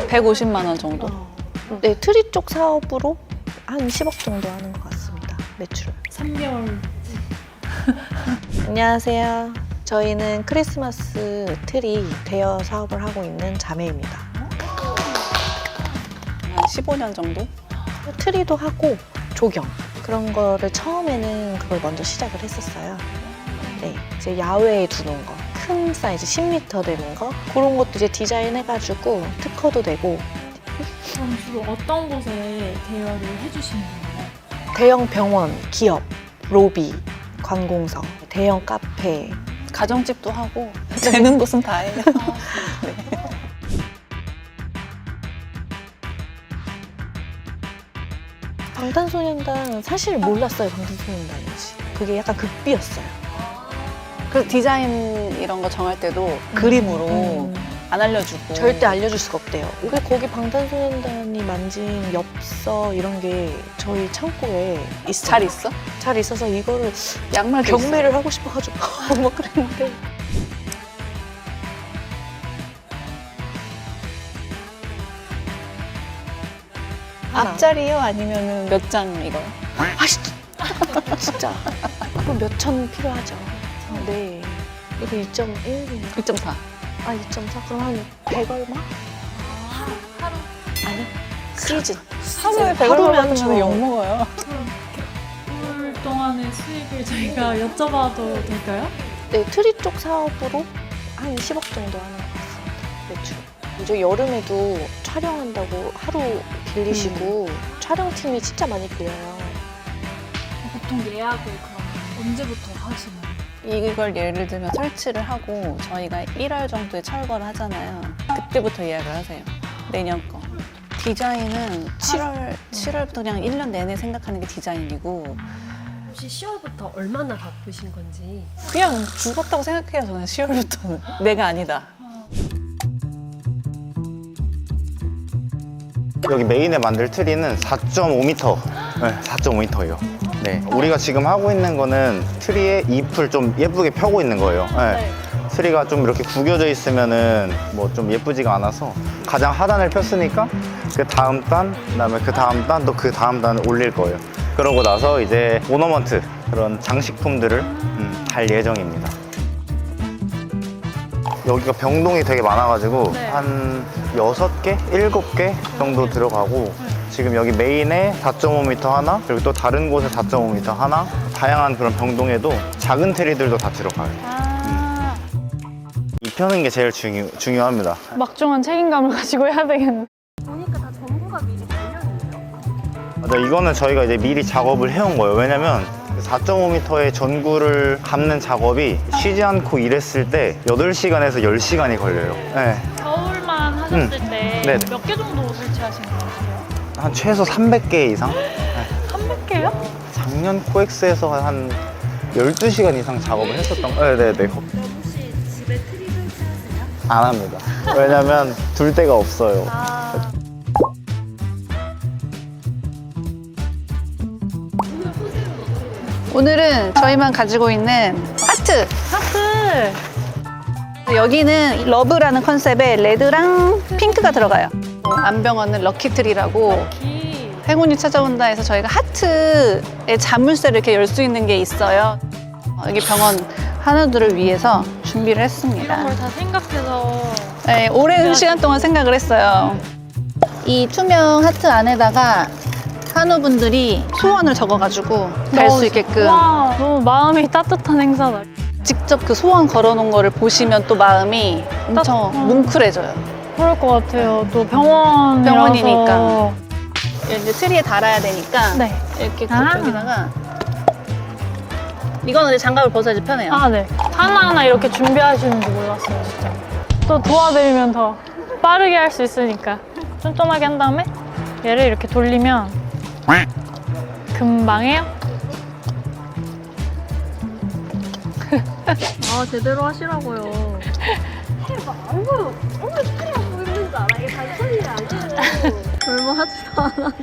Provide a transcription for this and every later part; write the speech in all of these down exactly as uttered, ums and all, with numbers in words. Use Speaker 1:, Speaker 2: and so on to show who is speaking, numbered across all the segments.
Speaker 1: 백오십만 원 정도?
Speaker 2: 네, 트리 쪽 사업으로 한 십억 정도 하는 것 같습니다. 매출.
Speaker 3: 삼 개월.
Speaker 2: 안녕하세요. 저희는 크리스마스 트리 대여 사업을 하고 있는 자매입니다.
Speaker 1: 한 십오 년 정도?
Speaker 2: 트리도 하고 조경 그런 거를 처음에는 그걸 먼저 시작을 했었어요. 네, 이제 야외에 두는 거, 큰 사이즈 십 미터 되는 거 그런 것도 이제 디자인해가지고 특허도 내고.
Speaker 3: 그럼 주로 어떤 곳에 대여를 해주시는 거예요?
Speaker 2: 대형 병원, 기업, 로비, 관공서, 대형 카페.
Speaker 1: 가정집도 하고 되는 곳은 다 해요. 네.
Speaker 2: 방탄소년단 사실 몰랐어요. 방탄소년단인지. 그게 약간 극비였어요.
Speaker 1: 그래서 디자인 이런 거 정할 때도 그림으로
Speaker 2: 음.
Speaker 1: 안 알려주고
Speaker 2: 절대 알려줄 수가 없대요. 그 거기 방탄소년단이 만진 엽서 이런 게 저희 창고에 있어요.
Speaker 1: 잘 있어?
Speaker 2: 잘 있어서 이거를
Speaker 1: 양말
Speaker 2: 경매를 하고 싶어가지고 뭐 그랬는데.
Speaker 1: 앞자리요? 아니면 몇 장 이거요?
Speaker 2: 아씨, 진짜 그럼 몇 천 필요하죠. 네, 이거 이 점 일,
Speaker 1: 이 점 사.
Speaker 2: 아 이 점 사 그럼 한 백 얼마?
Speaker 3: 하루? 하루?
Speaker 2: 아니, 시즌.
Speaker 1: 하루에 백
Speaker 2: 하루면
Speaker 1: 얼마
Speaker 2: 저-
Speaker 1: 받으면 욕먹어요.
Speaker 3: 올 동안의 수익을 저희가 여쭤봐도 될까요?
Speaker 2: 네, 트리 쪽 사업으로 한 십억 정도 하는 것 같습니다. 매출. 이제 여름에도 촬영한다고 하루 빌리시고 촬영팀이 진짜 많이 빌려요.
Speaker 3: 보통 예약을 그럼 언제부터 하시나요?
Speaker 1: 이걸 예를 들면 설치를 하고 저희가 일월 정도에 철거를 하잖아요. 그때부터 예약을 하세요. 내년 거. 디자인은 칠월, 칠월부터 그냥 일 년 내내 생각하는 게 디자인이고
Speaker 4: 혹시 시월부터 얼마나 바쁘신 건지.
Speaker 1: 그냥 죽었다고 생각해요. 저는 시월부터는. 내가 아니다.
Speaker 5: 여기 메인에 만들 트리는 사 점 오 미터. 네, 사 점 오 미터예요. 네, 우리가 지금 하고 있는 거는 트리에 잎을 좀 예쁘게 펴고 있는 거예요. 네. 트리가 좀 이렇게 구겨져 있으면은 뭐 좀 예쁘지가 않아서 가장 하단을 폈으니까 그 다음 단, 그다음에 그 다음 단, 또 그 다음 단을 올릴 거예요. 그러고 나서 이제 오너먼트 그런 장식품들을 음, 달 예정입니다. 여기가 병동이 되게 많아가지고
Speaker 3: 네.
Speaker 5: 한 여섯 개, 일곱 개 정도 들어가고 지금 여기 메인에 사 점 오 미터 하나 그리고 또 다른 곳에 사 점 오 미터 하나 다양한 그런 병동에도 작은 트리들도 다 들어가요.
Speaker 3: 아,
Speaker 5: 이 펴는 게 제일 중요, 중요합니다.
Speaker 3: 막중한 책임감을 가지고 해야 되겠네.
Speaker 4: 보니까 다 정보가 미리 달려있네요.
Speaker 5: 맞아, 이거는 저희가 이제 미리 작업을 해온 거예요. 왜냐면 사 점 오 미터의 전구를 감는 작업이 쉬지 않고 일했을 때 여덟 시간에서 열 시간이 걸려요. 네.
Speaker 3: 겨울만 하셨을
Speaker 5: 음.
Speaker 3: 때
Speaker 5: 네네.
Speaker 3: 몇 개 정도 설치하시는 것 같아요?
Speaker 5: 한 최소 삼백 개 이상?
Speaker 3: 삼백 개요?
Speaker 5: 작년 코엑스에서 한 열두 시간 이상 작업을 했었던 거예요. 네네네.
Speaker 4: 그럼 혹시 집에 트리 설치하세요?
Speaker 5: 안 합니다. 왜냐면 둘 데가 없어요.
Speaker 3: 아,
Speaker 1: 오늘은 저희만 가지고 있는 하트!
Speaker 3: 하트!
Speaker 1: 여기는 러브라는 컨셉에 레드랑 핑크가 들어가요. 안병원은 럭키트리라고
Speaker 3: 기.
Speaker 1: 행운이 찾아온다 해서 저희가 하트의 자물쇠를 이렇게 열 수 있는 게 있어요. 어, 여기 병원 한우들을 위해서 준비를
Speaker 3: 이런
Speaker 1: 했습니다.
Speaker 3: 걸 다 생각해서.
Speaker 1: 네, 오랜 시간 동안 생각을 했어요. 이 투명 하트 안에다가 한우분들이 소원을 적어가지고 갈 수 있게끔
Speaker 3: 와, 너무 마음이 따뜻한 행사다.
Speaker 1: 직접 그 소원 걸어놓은 거를 보시면 또 마음이 엄청
Speaker 3: 음.
Speaker 1: 뭉클해져요.
Speaker 3: 그럴 것 같아요. 또 병원이라서.
Speaker 1: 병원이니까. 이제 트리에 달아야 되니까
Speaker 3: 네.
Speaker 1: 이렇게
Speaker 3: 아.
Speaker 1: 여기다가 이거는 이제 장갑을 벗어야지 편해요.
Speaker 3: 아, 네. 하나하나 이렇게 준비하시는지 몰랐어요, 진짜. 또 도와드리면 더 빠르게 할 수 있으니까. 쫀쫀하게 한 다음에 얘를 이렇게 돌리면 금방 해요.
Speaker 4: 아, 제대로 하시라고요. 해봐. 안 보여. 오늘 트리가 보이는 줄 알아. 이게 단순히 아니에요. 얼마 하지도 않아.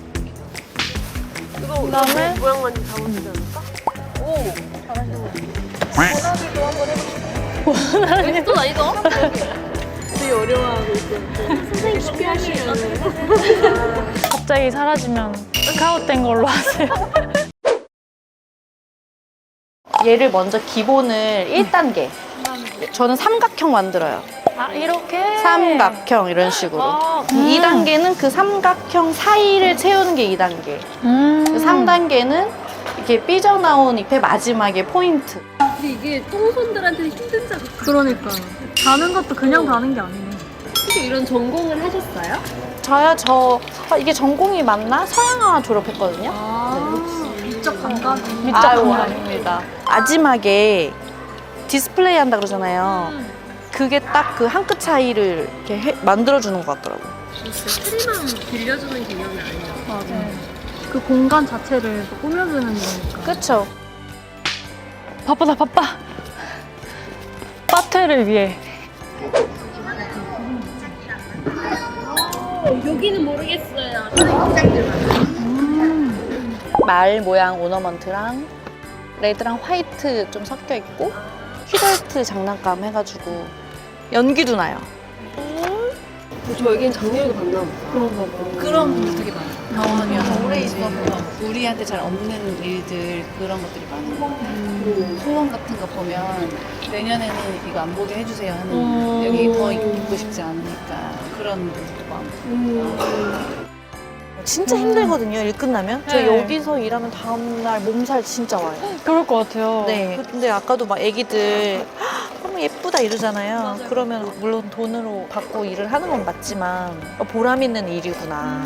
Speaker 4: 이거
Speaker 3: 그다음에
Speaker 4: 모양만 잡아주지 않을까? 오, 잘하시는 것 같아요. 또 아니죠? 되게 어려워하고 있어요. 선생님 쉽게 하시면
Speaker 3: 갑자기 사라지면 스카웃된 걸로 하세요.
Speaker 2: 얘를 먼저 기본을 일 단계. 저는 삼각형 만들어요.
Speaker 3: 아, 이렇게?
Speaker 2: 삼각형 이런 식으로.
Speaker 3: 아,
Speaker 2: 이 단계는 그 삼각형 사이를 채우는 게 이 단계.
Speaker 3: 음.
Speaker 2: 삼 단계는 이렇게 삐져나온 잎의 마지막에 포인트.
Speaker 4: 근데 이게 똥손들한테는 힘든 작업. 그러니까 다는 것도 그냥 다는 게 아니네. 혹시 이런 전공을 하셨어요?
Speaker 2: 저요, 저 아, 이게 전공이 맞나? 서양화 졸업했거든요.
Speaker 4: 아, 미적 감각?
Speaker 2: 미적 감각입니다. 마지막에 디스플레이 한다 그러잖아요. 그게 딱 그 한 끗 차이를 이렇게 해- 만들어주는 것 같더라고요.
Speaker 4: 트리만 빌려주는 개념이 아니에요.
Speaker 3: 맞아요.
Speaker 4: 그 공간 자체를 또 꾸며주는 거니까.
Speaker 2: 그쵸?
Speaker 3: 바쁘다, 바빠. 파테를 위해.
Speaker 4: 여기는 모르겠어요.
Speaker 2: 말 모양 오너먼트랑 레드랑 화이트 좀 섞여 있고 퀴덜트 장난감 해가지고 연기도 나요.
Speaker 4: 저에겐 작년에도 봤나 보다. 그런가 봐.
Speaker 1: 그런 분들 되게 많아요. 병원이어서 오래 있어서 우리한테 잘 없는 일들 그런 것들이 많아요. 소원 같은 거 보면 내년에는 이거 안 보게 해주세요 하는
Speaker 3: 음.
Speaker 1: 여기 더 있고 싶지 않으니까 그런 분들도 많고.
Speaker 2: 진짜 힘들거든요, 일 끝나면. 저
Speaker 3: 네.
Speaker 2: 여기서 일하면 다음날 몸살 진짜 와요.
Speaker 3: 그럴 것 같아요.
Speaker 2: 네. 근데 아까도 막 애기들 "헉, 너무 예쁘다 이러잖아요. 그러면 물론 돈으로 받고 일을 하는 건 맞지만 보람 있는 일이구나.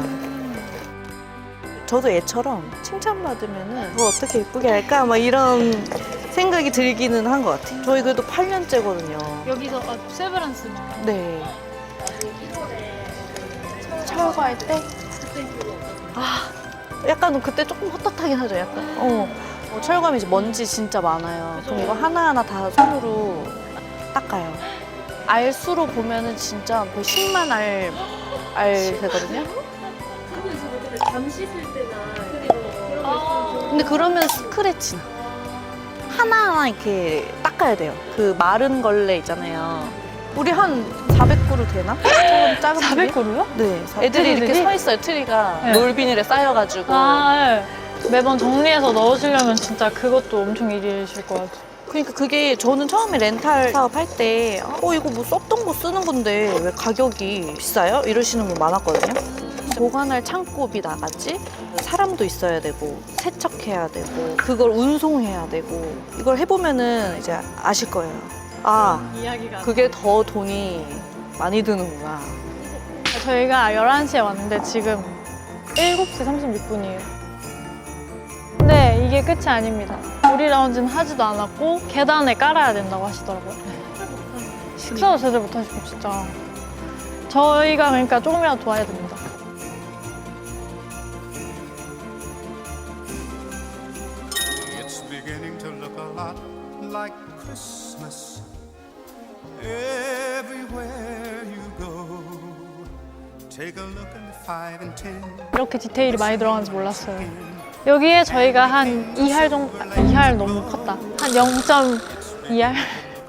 Speaker 2: 저도 애처럼 칭찬받으면 뭐 어떻게 예쁘게 할까? 막 이런 생각이 들기는 한 것 같아요. 저희 그래도 팔 년째거든요.
Speaker 3: 여기서 아, 세브란스만.
Speaker 2: 네. 철거할 때? 아, 약간 그때 조금 헛헛하긴 하죠, 약간. 어. 어, 철거하면 이제 먼지 진짜 많아요. 그럼 이거 하나하나 다 손으로 닦아요. 알수로 보면은 진짜 거의 십만 알, 알 되거든요.
Speaker 4: 잠 씻을 때나
Speaker 2: 근데 그러면 스크래치 나. 하나하나 이렇게 닦아야 돼요. 그 마른 걸레 있잖아요. 우리 한 사백 그루 되나? 조금 작은
Speaker 3: 사백
Speaker 2: 트리?
Speaker 3: 그루요?
Speaker 2: 네. 애들이 이렇게
Speaker 3: 트리들이?
Speaker 2: 서 있어요, 트리가.
Speaker 3: 네.
Speaker 2: 롤비닐에 쌓여가지고.
Speaker 3: 아, 네. 매번 정리해서 넣으시려면 진짜 그것도 엄청 일이실 것 같아요.
Speaker 2: 그러니까 그게 저는 처음에 렌탈 사업 할 때 어, 이거 뭐 썼던 거 쓰는 건데 왜 가격이 비싸요? 이러시는 분 많았거든요. 보관할 창고비 나갔지? 사람도 있어야 되고 세척해야 되고 그걸 운송해야 되고 이걸 해보면은 이제 아실 거예요. 아,
Speaker 3: 이야기가.
Speaker 2: 그게 더 돈이 많이 드는구나.
Speaker 3: 저희가 열한 시에 왔는데 지금 일곱 시 삼십육 분이에요. 근데 이게 끝이 아닙니다. 우리 라운지는 하지도 않았고 계단에 깔아야 된다고 하시더라고요. 식사도 제대로 못하시고 진짜. 저희가 그러니까 조금이라도 도와야 됩니다.
Speaker 6: It's beginning to look a lot like Christmas everywhere you go. Take a look at the five and ten.
Speaker 3: 이렇게 디테일이 많이 들어가는지 몰랐어요. 여기에 저희가 한 이 할 정도, 이 할 너무 컸다. 한 영 점 이 할?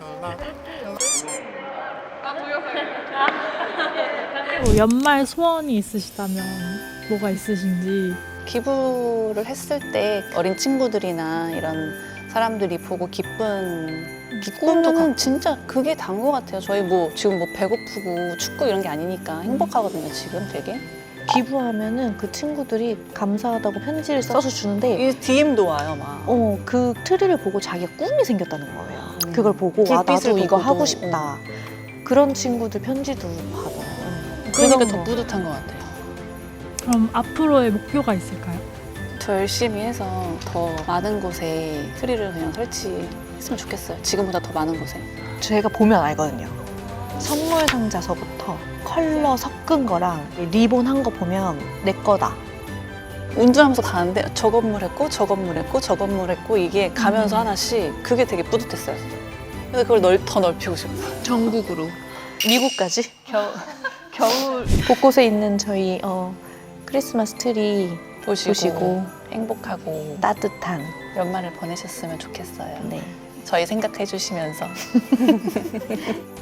Speaker 3: 연말 소원이 있으시다면 뭐가 있으신지.
Speaker 1: 기부를 했을 때 어린 친구들이나 이런 사람들이 보고 기쁜 기쁨은 진짜 그게 단 것 같아요. 저희 뭐 지금 뭐 배고프고 춥고 이런 게 아니니까 행복하거든요. 지금 되게.
Speaker 2: 기부하면은 그 친구들이 감사하다고 편지를 써서 주는데
Speaker 1: 이 디엠도 와요, 막.
Speaker 2: 어, 그 트리를 보고 자기가 꿈이 생겼다는 거예요.
Speaker 1: 음.
Speaker 2: 그걸 보고 아,
Speaker 1: 불빛을
Speaker 2: 나도 이거
Speaker 1: 보고도,
Speaker 2: 하고 싶다. 그런 친구들 편지도 받아요.
Speaker 1: 그러니까
Speaker 3: 그런
Speaker 1: 더
Speaker 3: 거.
Speaker 1: 뿌듯한 것 같아요.
Speaker 3: 그럼 앞으로의 목표가 있을까요?
Speaker 1: 더 열심히 해서 더 많은 곳에 트리를 그냥 설치했으면 좋겠어요. 지금보다 더 많은 곳에.
Speaker 2: 제가 보면 알거든요. 선물 상자서부터 컬러 섞은 거랑 리본 한 거 보면 내 거다.
Speaker 1: 운전하면서 가는데 저 건물 했고 저 건물 했고 저 건물 했고 이게 가면서 하나씩 그게 되게 뿌듯했어요. 그래서 그걸 넓, 더 넓히고 싶어요.
Speaker 2: 전국으로. 미국까지.
Speaker 1: 겨울, 겨울
Speaker 2: 곳곳에 있는 저희 어, 크리스마스 트리
Speaker 1: 보시고,
Speaker 2: 보시고
Speaker 1: 행복하고
Speaker 2: 따뜻한
Speaker 1: 연말을 보내셨으면 좋겠어요.
Speaker 2: 네.
Speaker 1: 저희 생각해 주시면서